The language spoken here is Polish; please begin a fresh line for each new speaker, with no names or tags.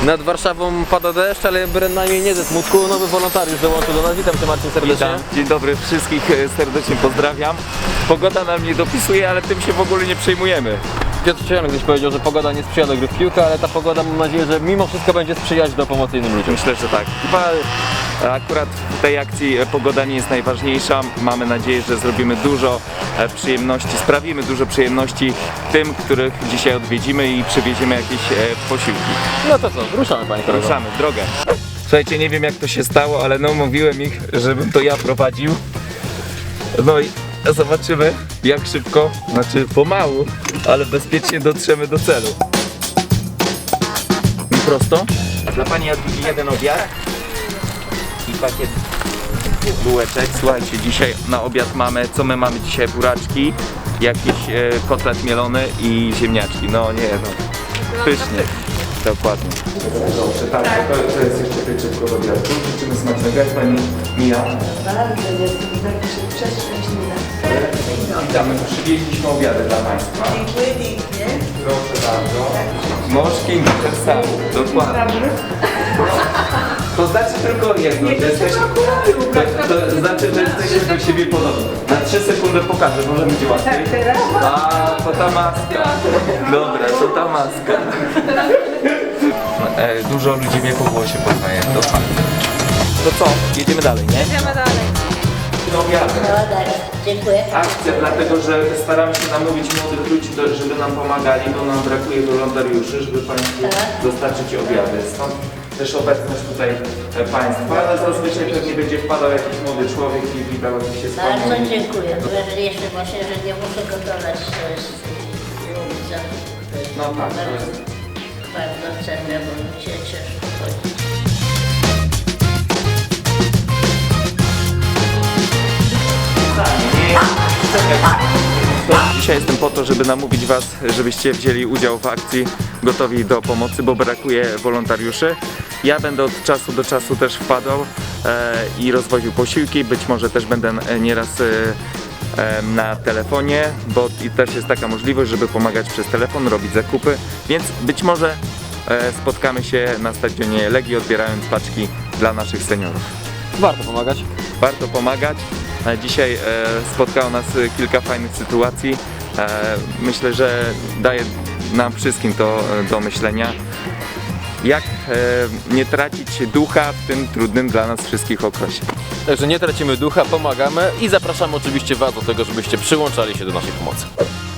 Nad Warszawą pada deszcz, ale bynajmniej nie ze smutku. Nowy wolontariusz dołączył do nas. Witam Cię, Marcin, serdecznie.
Witam. Dzień dobry, wszystkich serdecznie pozdrawiam. Pogoda nam nie dopisuje, ale tym się w ogóle nie przejmujemy.
Piotr Ciejonek gdzieś powiedział, że pogoda nie sprzyja do gry w piłkę, ale ta pogoda, mam nadzieję, że mimo wszystko będzie sprzyjać do pomocy innym ludziom.
Myślę, że tak. Chyba akurat w tej akcji pogoda nie jest najważniejsza. Mamy nadzieję, że zrobimy dużo przyjemności, sprawimy dużo przyjemności tym, których dzisiaj odwiedzimy i przywieziemy jakieś posiłki.
No to co, ruszamy, panie kolego.
Ruszamy w drogę. Słuchajcie, nie wiem jak to się stało, ale no mówiłem ich, żebym to ja prowadził. No i zobaczymy jak szybko, znaczy pomału, ale bezpiecznie dotrzemy do celu. I prosto. Dla pani Jadwigi jeden obiad i pakiet bułeczek. Słuchajcie, dzisiaj na obiad mamy, co my mamy dzisiaj? Buraczki, jakiś kotlet mielony i ziemniaczki. No nie no, pysznie. Dokładnie. Dobrze, tak, to jest jeszcze pieczywko do obiadu. Życzymy smacznego. Jak pani mija?
Bardzo jestem tak przeszczęśliwa.
Witamy, przywieźliśmy obiady dla państwa.
Dziękuję pięknie.
Proszę bardzo. Mążki też sam. Dokładnie. To znaczy tylko jedno, że jesteśmy, to znaczy, że jesteśmy do siebie podobni. Na 3 sekundy pokażę, może będzie łatwiej. A, to ta maska. Dobra, to ta maska. Dużo ludzi mnie po głosie poznaje, to fajnie. To co? Jedziemy dalej, nie?
Idziemy dalej.
Obiady.
No tak, dziękuję.
Akcja, dlatego że staramy się namówić młodych ludzi, żeby nam pomagali, bo nam brakuje wolontariuszy, żeby Państwu dostarczyć obiady. Stąd też obecność tutaj Państwa, ale zazwyczaj pewnie będzie wpadał jakiś młody człowiek i witał się z Panią.
Bardzo dziękuję. Że jeszcze właśnie, że nie muszę gotować, to jest ulica. To jest
No tak, to
bardzo,
jest.
bardzo cenne, bo mi się ciężko chodzi.
Dzisiaj jestem po to, żeby namówić Was, żebyście wzięli udział w akcji Gotowi do Pomocy, bo brakuje wolontariuszy. Ja będę od czasu do czasu też wpadał i rozwoził posiłki, być może też będę nieraz na telefonie, bo i też jest taka możliwość, żeby pomagać przez telefon, robić zakupy, więc być może spotkamy się na stadionie Legii, odbierając paczki dla naszych seniorów.
Warto pomagać.
Warto pomagać. Dzisiaj spotkało nas kilka fajnych sytuacji. Myślę, że daje nam wszystkim to do myślenia. Jak nie tracić ducha w tym trudnym dla nas wszystkich okresie.
Także nie tracimy ducha, pomagamy i zapraszamy oczywiście Was do tego, żebyście przyłączali się do naszej pomocy.